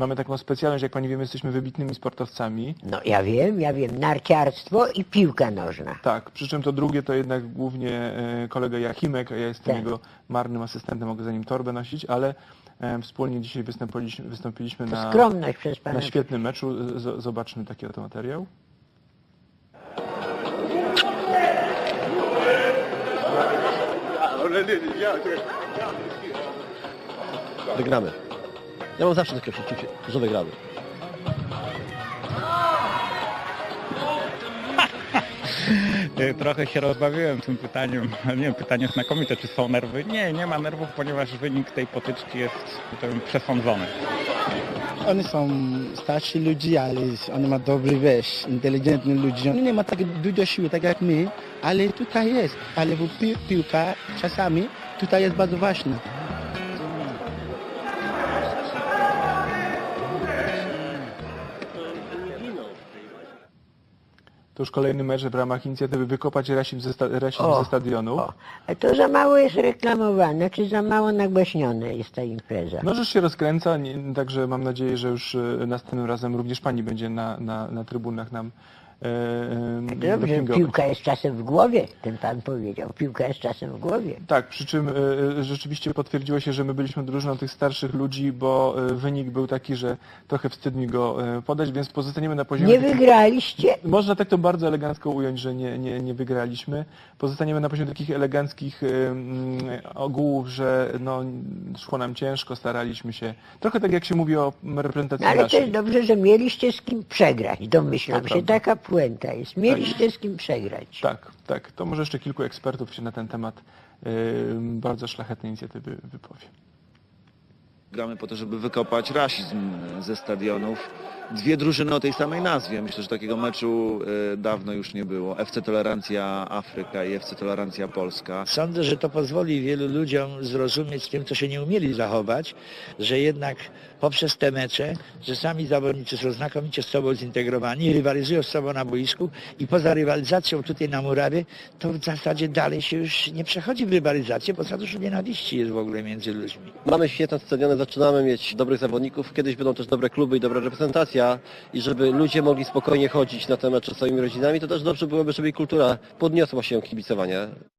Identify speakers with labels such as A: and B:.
A: mamy taką specjalność, jak pani wie, my jesteśmy wybitnymi sportowcami.
B: No ja wiem, narciarstwo i piłka nożna.
A: Tak, przy czym to drugie to jednak głównie kolega Jachimek, a ja jestem
B: Tak.
A: jego marnym asystentem, mogę za nim torbę nosić, ale wspólnie dzisiaj wystąpiliśmy
B: To skromność przez pana.
A: na świetnym meczu. Zobaczmy taki oto materiał.
C: Wygramy. Ja mam zawsze takie przeczucie, że wygramy.
D: Trochę się rozbawiłem tym pytaniem. Nie wiem, pytanie znakomite, czy są nerwy? Nie, nie ma nerwów, ponieważ wynik tej potyczki jest przesądzony.
E: Oni są starsi ludzie, ale oni mają dobry inteligentni ludzie. Oni nie mają tak dużo siły, tak jak my, ale tutaj jest. Ale piłka czasami tutaj jest bardzo ważna.
A: To już kolejny mecz w ramach inicjatywy Wykopać rasizm ze stadionu.
B: A to za mało jest reklamowane, czy za mało nagłaśnione jest ta impreza?
A: No rzecz się rozkręca, także mam nadzieję, że już następnym razem również pani będzie na trybunach nam
B: Dobrze,
A: dopingować.
B: piłka jest czasem w głowie, ten pan powiedział. Piłka jest czasem w głowie.
A: Tak, przy czym rzeczywiście potwierdziło się, że my byliśmy drużyną tych starszych ludzi, bo wynik był taki, że trochę wstyd mi go podać, więc pozostaniemy na poziomie...
B: Nie wygraliście?
A: Można tak to bardzo elegancko ująć, że nie wygraliśmy. Pozostaniemy na poziomie takich eleganckich ogółów, że no, szło nam ciężko, staraliśmy się. Trochę tak jak się mówi o reprezentacji
B: No, ale to
A: naszej.
B: jest dobrze, że mieliście z kim przegrać. Domyślam
A: To
B: się,
A: prawda.
B: taka puenta jest. Mieliście z kim przegrać.
A: Tak. To może jeszcze kilku ekspertów się na ten temat bardzo szlachetnej inicjatywy wypowie.
F: Gramy po to, żeby wykopać rasizm ze stadionów. Dwie drużyny o tej samej nazwie. Myślę, że takiego meczu dawno już nie było. FC Tolerancja Afryka i FC Tolerancja Polska.
G: Sądzę, że to pozwoli wielu ludziom zrozumieć tym, co się nie umieli zachować, że jednak poprzez te mecze, że sami zawodnicy są znakomicie z sobą zintegrowani, rywalizują z sobą na boisku i poza rywalizacją tutaj na murawie, to w zasadzie dalej się już nie przechodzi w rywalizację, bo za dużo nienawiści jest w ogóle między ludźmi.
C: Mamy świetne stadiony, zaczynamy mieć dobrych zawodników, kiedyś będą też dobre kluby i dobra reprezentacja i żeby ludzie mogli spokojnie chodzić na te mecze z swoimi rodzinami, to też dobrze byłoby, żeby kultura podniosła się kibicowania.